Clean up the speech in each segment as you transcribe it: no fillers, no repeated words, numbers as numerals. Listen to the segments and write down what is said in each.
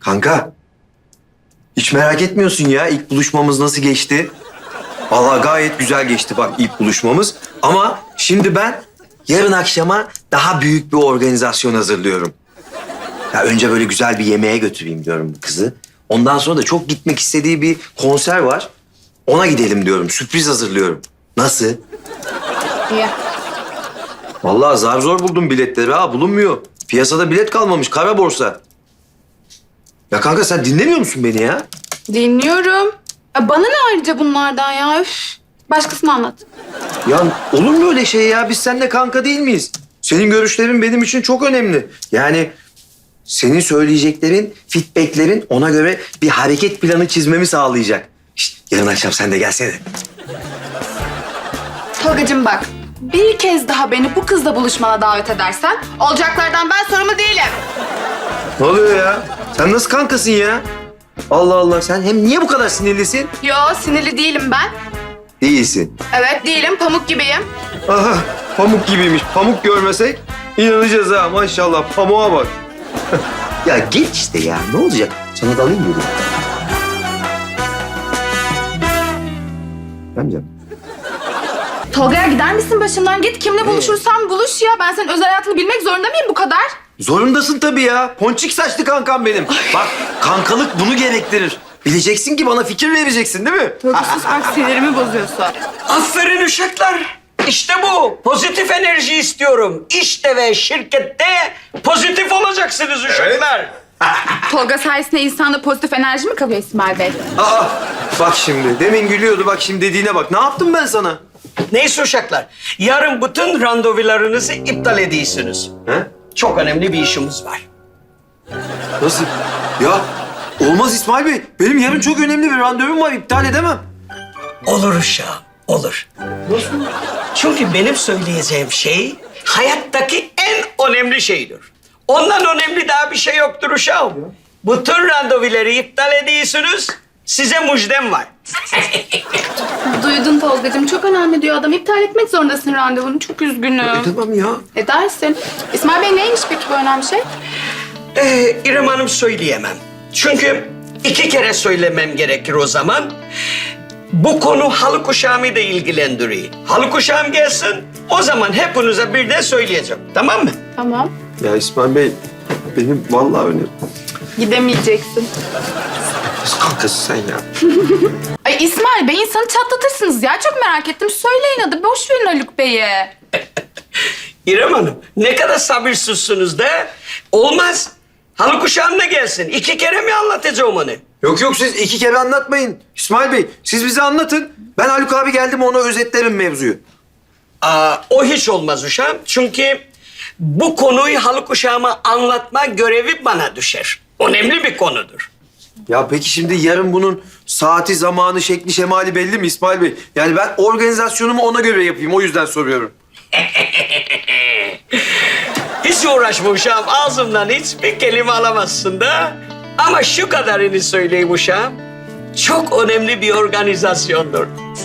Kanka, hiç merak etmiyorsun ya ilk buluşmamız nasıl geçti? Vallahi gayet güzel geçti bak ilk buluşmamız. Ama şimdi ben yarın akşama daha büyük bir organizasyon hazırlıyorum. Ya önce böyle güzel bir yemeğe götüreyim diyorum bu kızı. Ondan sonra da çok gitmek istediği bir konser var. Ona gidelim diyorum. Sürpriz hazırlıyorum. Nasıl? İyi. Vallahi zar zor buldum biletleri ha. Bulunmuyor. Piyasada bilet kalmamış. Kara borsa. Ya kanka sen dinlemiyor musun beni ya? Dinliyorum. Bana ne ayrıca bunlardan ya? Üf. Başkasına anlat. Ya olur mu öyle şey ya? Biz seninle kanka değil miyiz? Senin görüşlerin benim için çok önemli. Yani senin söyleyeceklerin, feedbacklerin ona göre bir hareket planı çizmemi sağlayacak. Şişt, yarın akşam sen de gelsene. Tolgacığım bak. Bir kez daha beni bu kızla buluşmana davet edersen olacaklardan ben sorumlu değilim. Ne oluyor ya? Sen nasıl kankasın ya? Allah Allah, sen hem niye bu kadar sinirlisin? Yo, sinirli değilim ben. Değilsin. Evet değilim, pamuk gibiyim. Aha, pamuk gibiymiş. Pamuk görmesek inanacağız ha maşallah. Pamuğa bak. Ya geç işte ya. Ne olacak? Sana da alayım dedim. Amcam. Tolga'ya gider misin başımdan? Git kimle buluşursan buluş ya. Ben senin özel hayatını bilmek zorunda mıyım bu kadar? Zorundasın tabii ya. Ponçik saçlı kankam benim. Bak kankalık bunu gerektirir. Bileceksin ki bana fikir vereceksin değil mi? Tolga sus bak, sinirimi bozuyorsun. Aferin uşaklar. İşte bu. Pozitif enerji istiyorum. İşte ve şirkette pozitif olacaksınız uşaklar. Tolga sayesinde insanda pozitif enerji mi kalıyor İsmail Bey? Aa, bak şimdi. Demin gülüyordu. Bak şimdi dediğine bak. Ne yaptım ben sana? Neyse uşaklar. Yarın bütün randevularınızı iptal ediyorsunuz. He? Çok önemli bir işimiz var. Nasıl? Ya olmaz İsmail Bey. Benim yarın çok önemli bir randevum var. İptal edemem. Olur uşağım, olur. Nasıl? Çünkü benim söyleyeceğim şey hayattaki en önemli şeydir. Ondan önemli daha bir şey yoktur uşağım. Bütün randevuları iptal ediyorsunuz. Size müjdem var. Duydun Tolgacığım, çok önemli diyor adam. İptal etmek zorundasın randevunu. Çok üzgünüm. Tamam ya. Edersin. İsmail Bey neymiş peki bu önemli şey? İrem Hanım söyleyemem. Çünkü 2 kere söylemem gerekir o zaman. Bu konu Haluk uşağımı da ilgilendiriyor. Haluk uşağım gelsin, o zaman hepinize birden söyleyeceğim. Tamam mı? Tamam. Ya İsmail Bey benim vallahi öyle. Gidemeyeceksin. Nasıl kankasın sen ya? Ay İsmail Bey, insanı çatlatırsınız ya. Çok merak ettim. Söyleyin hadi. Boş verin Haluk Bey'i. İrem Hanım, ne kadar sabırsızsınız da. Olmaz. Haluk uşağım da gelsin. 2 kere mi anlatacağım onu? Yok yok siz 2 kere anlatmayın. İsmail Bey siz bize anlatın. Ben Haluk abi geldim ona özetlerim mevzuyu. O hiç olmaz uşağım. Çünkü bu konuyu Haluk uşağıma anlatma görevi bana düşer. Önemli bir konudur. Ya peki şimdi yarın bunun saati, zamanı, şekli, şemali belli mi İsmail Bey? Yani ben organizasyonumu ona göre yapayım. O yüzden soruyorum. Hiç uğraşma uşağım. Ağzımdan hiçbir kelime alamazsın da. Ama şu kadarını söyleyeyim uşağım. Çok önemli bir organizasyondur.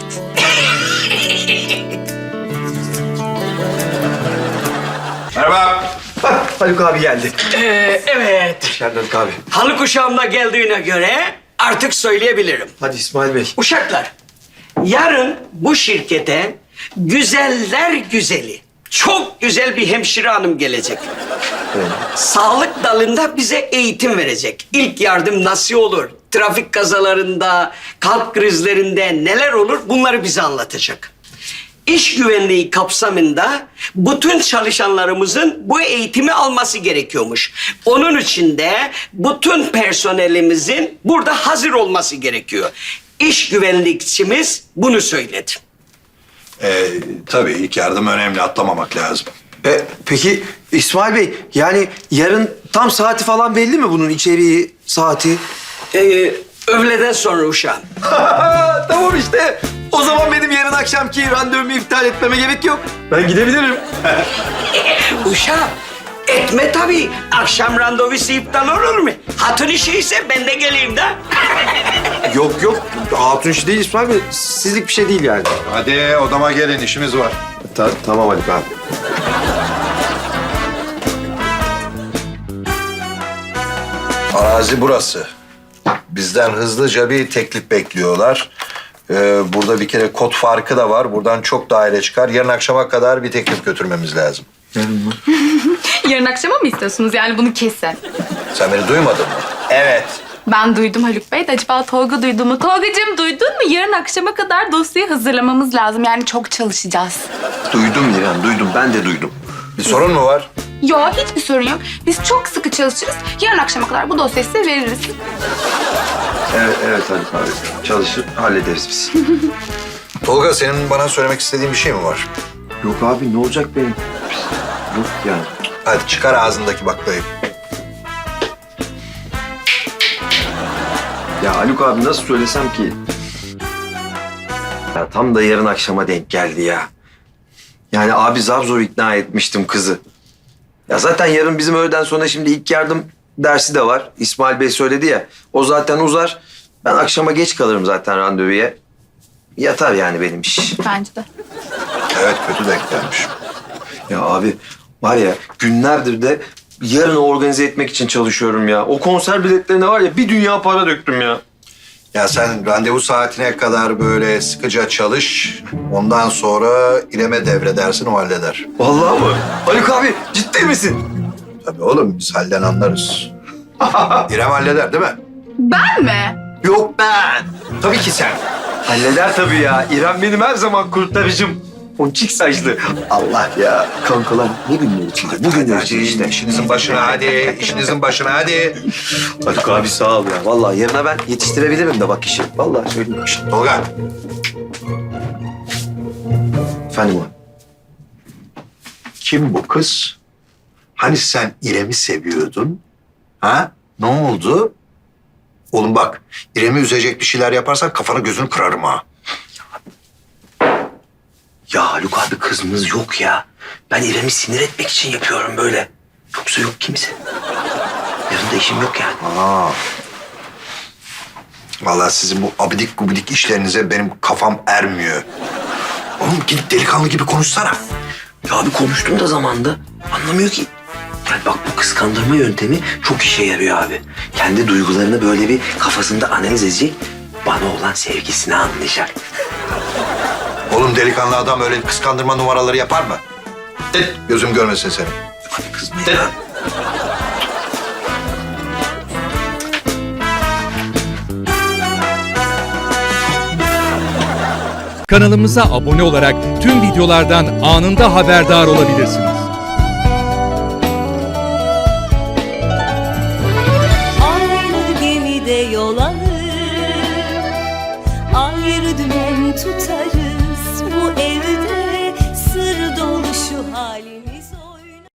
Merhaba. Bak Haluk abi geldi. Evet. Hoş geldin Haluk abi. Haluk uşağım da geldiğine göre artık söyleyebilirim. Hadi İsmail Bey. Uşaklar, yarın bu şirkete güzeller güzeli, çok güzel bir hemşire hanım gelecek. Sağlık dalında bize eğitim verecek. İlk yardım nasıl olur? Trafik kazalarında, kalp krizlerinde neler olur? Bunları bize anlatacak. İş güvenliği kapsamında bütün çalışanlarımızın bu eğitimi alması gerekiyormuş. Onun için de bütün personelimizin burada hazır olması gerekiyor. İş güvenlikçimiz bunu söyledi. Tabii ilk yardım önemli, atlamamak lazım. Peki İsmail Bey yani yarın tam saati falan belli mi bunun içeriği, saati? Öğleden sonra uşağım. Tamam işte. O zaman benim yarın akşamki randevumu iptal etmeme gerek yok. Ben gidebilirim. Uşağım, etme tabii. Akşam randevusu iptal olur mu? Hatun işi ise ben de geleyim de. Yok yok. Hatun işi değil İsmail Bey. Sizlik bir şey değil yani. Hadi odama gelin, işimiz var. Tamam Haluk abi. Arazi burası. Bizden hızlıca bir teklif bekliyorlar. Burada bir kere kod farkı da var. Buradan çok daire çıkar. Yarın akşama kadar bir teklif götürmemiz lazım. Yarın akşama mı istiyorsunuz? Yani bunu kesin. Sen beni duymadın mı? Evet. Ben duydum Haluk Bey de acaba Tolga duydu mu? Tolgacığım duydun mu? Yarın akşama kadar dosyayı hazırlamamız lazım. Yani çok çalışacağız. Duydum İrem, duydum. Ben de duydum. Bir sorun mu var? Yo, hiçbir sorun yok. Biz çok sıkı çalışırız. Yarın akşama kadar bu dosyayı size veririz. Evet Haluk abi. Çalışır, hallederiz biz. Tolga, senin bana söylemek istediğin bir şey mi var? Yok abi, ne olacak benim? Yok yani. Hadi çıkar ağzındaki baklayı. Ya Haluk abi nasıl söylesem ki? Ya tam da yarın akşama denk geldi ya. Yani abi zar zor ikna etmiştim kızı. Ya zaten yarın bizim öğleden sonra şimdi ilk yardım dersi de var. İsmail Bey söyledi ya. O zaten uzar. Ben akşama geç kalırım zaten randevuya. Yatar yani benim iş. Bence de. Evet, kötü denk gelmiş. Ya abi var ya günlerdir de yarını organize etmek için çalışıyorum ya. O konser biletlerine var ya bir dünya para döktüm ya. Ya sen randevu saatine kadar böyle sıkıca çalış. Ondan sonra İrem'e devredersin, o halleder. Vallahi mı? Haluk abi ciddi misin? Tabii oğlum, biz halden anlarız. İrem halleder değil mi? Ben mi? Yok ben. Tabii ki sen. Halleder tabii ya. İrem benim her zaman kurtarıcım. Ponçik saçlı. Allah ya. Kankalar ne günler içinde? Bu günler için işte. İşinizin başına hadi, işinizin başına hadi. Haluk abi sağ ol ya. Vallahi yarına ben yetiştirebilirim de bak işi. Vallahi söyleyeyim. Tolga, Efendim abi. kim bu kız? Hani sen İrem'i seviyordun? Ha? Ne oldu? Oğlum bak, İrem'i üzecek bir şeyler yaparsan kafanı gözünü kırarım ha. Ya Haluk abi kızımız yok ya. Ben İrem'i sinir etmek için yapıyorum böyle. Yoksa yok kimse. Yarın da işim yok yani. Aa. Vallahi sizin bu abidik gubidik işlerinize benim kafam ermiyor. Oğlum git delikanlı gibi konuşsana. Ya abi konuştum da zamanda. Anlamıyor ki. Yani bak bu kıskandırma yöntemi çok işe yarıyor abi. Kendi duygularını böyle bir kafasında analiz edecek. Bana olan sevgisini anlayacak. Oğlum delikanlı adam öyle kıskandırma numaraları yapar mı? Gözüm görmesin seni. Abi kızma ya. Kanalımıza abone olarak tüm videolardan anında haberdar olabilirsiniz. Aynı gemide yol alır, ayrı dümen tutarız. Bu evde